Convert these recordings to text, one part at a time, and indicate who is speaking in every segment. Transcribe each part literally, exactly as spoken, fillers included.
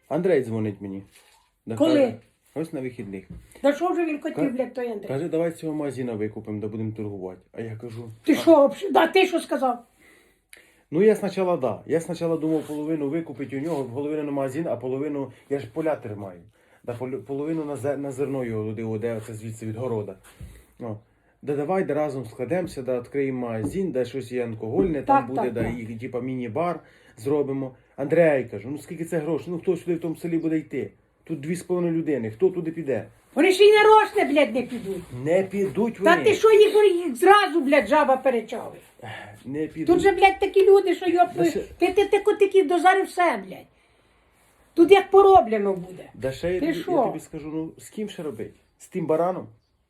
Speaker 1: Андрей дзвонить мені. Да,
Speaker 2: Коли?
Speaker 1: каже, ось на вихідних.
Speaker 2: Да що вже він хотів,
Speaker 1: Ка-
Speaker 2: блядь, той Андрій?
Speaker 1: Каже, давай з цього магазина викупимо, да будемо торгувати. А я кажу,
Speaker 2: Ти
Speaker 1: а,
Speaker 2: що, вообще- да, ти що сказав?
Speaker 1: ну я спочатку, да. Я спочатку думав половину викупити у нього, половину на магазин, а половину, я ж поля тримаю. Да, пол- половину на, зе- на зерно його туди, де це звідси від города. О. Да давай да разом складемося, да відкриємо магазин, да щось є алкогольне, там
Speaker 2: Так,
Speaker 1: буде,
Speaker 2: так,
Speaker 1: да,
Speaker 2: так.
Speaker 1: і типа міні-бар зробимо. Андрей кажу, ну скільки це грошей, ну хто сюди в тому селі буде йти? Тут дві з половиною людини, хто туди піде?
Speaker 2: Вони ще й нарочне, блядь, не підуть.
Speaker 1: Не підуть вони.
Speaker 2: Та ти що їх, їх зразу, блядь, жаба перечали?
Speaker 1: Не підуть.
Speaker 2: Тут же, блядь, такі люди, що йоп,
Speaker 1: Да ще-
Speaker 2: ти, ти, ти котиків дозарив все, блядь. Тут як пороблено буде.
Speaker 1: Да ще я,
Speaker 2: Ти
Speaker 1: тобі,
Speaker 2: що?
Speaker 1: я тобі скажу, ну з ким ще робити? З тим бараном?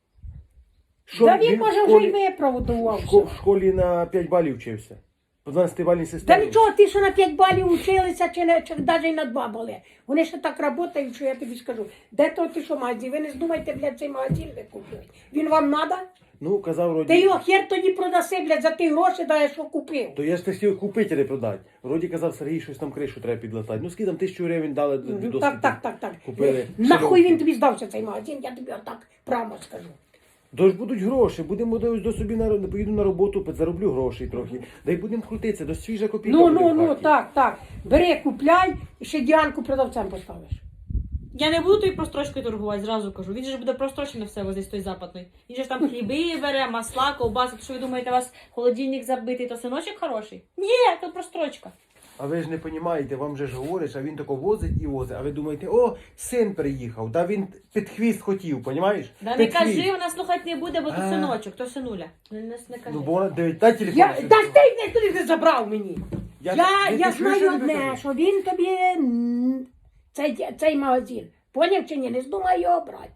Speaker 2: Та він,
Speaker 1: в
Speaker 2: може, вже
Speaker 1: школі-
Speaker 2: й виправдувався.
Speaker 1: шко- в школі на п'ять балів вчився. По дванадцятибальній
Speaker 2: Та
Speaker 1: системі.
Speaker 2: нічого, ти що на п'ять балів училися, чи, не, чи навіть на два бали. Вони ще так працюють, що я тобі скажу. Де то ти що магазин? Ви не здумайте, блядь, цей магазин викуплювати. Він вам надо?
Speaker 1: Ну, казав вроді.
Speaker 2: Ти його хер тоді продаси, блядь, за ті гроші, да, що купив.
Speaker 1: То я ж хотів купити, а не продати. Вроді казав Сергій, щось там кришу треба підлатати. Ну скільки там тисячу гривень дали до
Speaker 2: Ну,
Speaker 1: досвіду.
Speaker 2: так, так, так, так.
Speaker 1: Купили.
Speaker 2: Нахуй
Speaker 1: Широкі.
Speaker 2: він тобі здався цей магазин, я тобі отак прямо скажу.
Speaker 1: Тож будуть гроші, будемо до, до собі на поїду на роботу, зароблю грошей трохи. Да й будемо крутитися, до свіжа копійка.
Speaker 2: Ну,
Speaker 1: буде
Speaker 2: ну,
Speaker 1: в
Speaker 2: ну,
Speaker 1: хаті.
Speaker 2: так, так. Бери, купляй, і ще Діанку продавцем поставиш.
Speaker 3: Я не буду тою прострочкою торгувати, зразу кажу. Він же ж буде прострочене все возить з той западної. Він же ж там хліби бере, масла, ковбаси. То що ви думаєте, у вас холодильник забитий, то синочок хороший? Ні, то прострочка.
Speaker 1: А ви ж не розумієте, вам же ж говориш, а він тако возить і возить. А ви думаєте, о, син приїхав, да він під хвіст хотів, розумієш?
Speaker 3: Да не кажи, вона слухати не буде, бо то
Speaker 1: А.
Speaker 3: синочок, то синуля. Не, не, не кажи.
Speaker 1: Ну, бо вона дивить, дай телефон.
Speaker 2: Я,
Speaker 1: ще
Speaker 2: та
Speaker 1: раз.
Speaker 2: ти не туди не забрав мені.
Speaker 1: Я-
Speaker 2: Я,
Speaker 1: ти-
Speaker 2: я,
Speaker 1: ти чуєш, що
Speaker 2: знаю
Speaker 1: я тобі
Speaker 2: одне,
Speaker 1: кажу?
Speaker 2: що він тобі м, цей, цей магазин. Поняв чи ні? Не здумай його брати.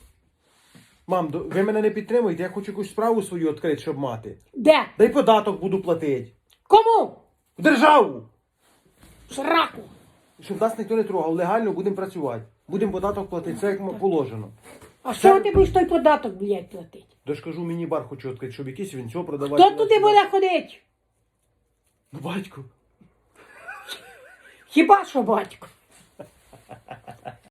Speaker 1: Мам, до- ви мене не підтримуєте, я хочу якусь справу свою відкрити, щоб мати.
Speaker 2: Де?
Speaker 1: Дай податок буду платити.
Speaker 2: Кому?
Speaker 1: В державу!
Speaker 2: Сраку.
Speaker 1: Щоб нас ніхто не трогав, легально будемо працювати. Будемо податок платити, це як м- положено.
Speaker 2: А що ти будеш той податок, блядь, платити?
Speaker 1: Тож кажу, міні-бар хочу відкрити, щоб якийсь він цього продавати.
Speaker 2: Хто туди буде ходити?
Speaker 1: Ну, батько.
Speaker 2: Хіба що батько?